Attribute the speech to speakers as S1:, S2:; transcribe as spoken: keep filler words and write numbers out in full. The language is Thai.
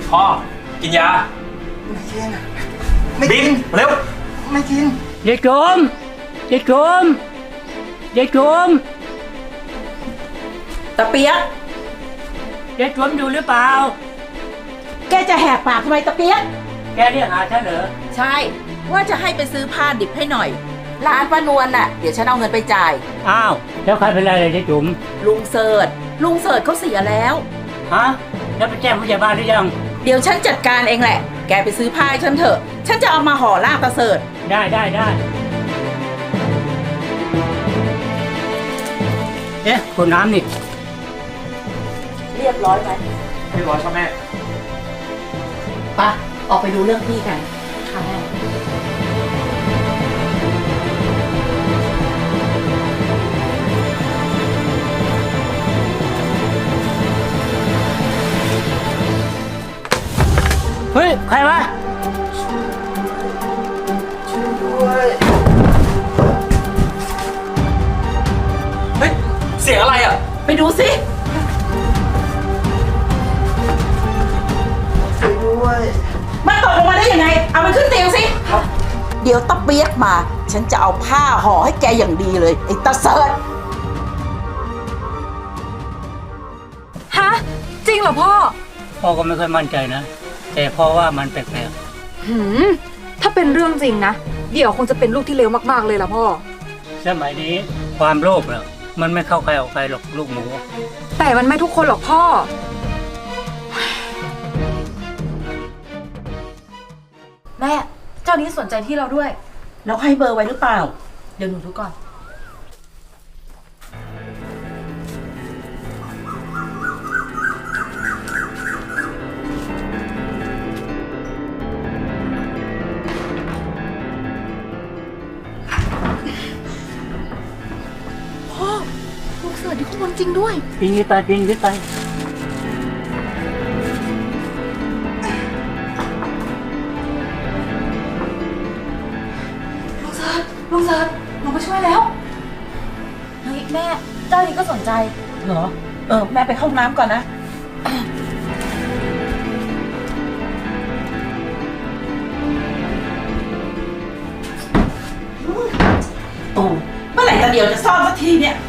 S1: พ่อกินยาไม่กินไม่กินเร็วไม่กิน
S2: ยายโจมยายโจมยายโจม
S3: ตะเปียก
S2: ยายโจมอยู่หรือเปล่า
S3: แกจะแหกปากทำไมตะเปียก
S2: แกเรียกหาฉันเหรอ
S3: ใช่ว่าจะให้ไปซื้อผ้าดิบให้หน่อยร้านป้านวลน่ะเดี๋ยวฉันเอาเงินไปจ่าย
S2: อ้าวแล้วใครเป็นไรเลยยายจุ๋ม
S3: ลุงเสิร์ชลุงเสิร์ชเขาเสียแล้ว
S2: ฮะแล้วไปแจ้งผู้ใหญ่บ้านหรือยัง
S3: เดี๋ยวฉันจัดการเองแหละแกไปซื้อผ้าให้ฉันเถอะฉันจะเอามาห่อลาบตาเสิร์ช
S2: ได้ได้ได้เอ๊ะคนน้ำนี่
S3: เรียบร้อยไหม
S1: เรียบร้อยครับแม่
S3: ปะออกไปดูเรื่องพี่กันค่ะแม่
S2: เฮ้ยใครวะ
S1: ช่วยด้วยเฮ้ยเสียงอะไรอ่ะ
S3: ไปดูสิ
S1: ช่วยด้วย
S3: มันตกลงมาได้ยังไงเอามันขึ้นเตียงสิครับเดี๋ยวตะเปียกมาฉันจะเอาผ้าห่อให้แกอย่างดีเลยไอ้ตาเสิร์ช
S4: ฮะจริงเหรอพ่อ
S2: พ่อก็ไม่ค่อยมั่นใจนะแต่พ่อว่ามันแปลก
S4: ๆหืมถ้าเป็นเรื่องจริงนะเดี๋ยวคงจะเป็นลูกที่เลวมากๆเลยล่ะพ่อ
S2: สมัยนี้ความโลภเนี่ยมันไม่เข้าใครออกใครหรอกลูกหมู
S4: แต่มันไม่ทุกคนหรอกพ่อแม่เจ้านี้สนใจที่เราด้วย
S3: แล้วให้เบอร์ไว้หรือเปล่าเดี๋ยวหนูดูก่อนพ่อลูกเสือที่ข้างบนจริงด้วย
S2: ปีนตายปีนขึ้นไป
S4: ลุงเซิร์ชหนูมาช่วยแล้วเฮ้ยแม่เจ้านี้ก็สนใจ
S3: เหรอเออแม่ไปเข้าน้ำก่อนนะโอ้เมื่อไหร่ตาเดียวจะซ่อมสักทีเนี่ย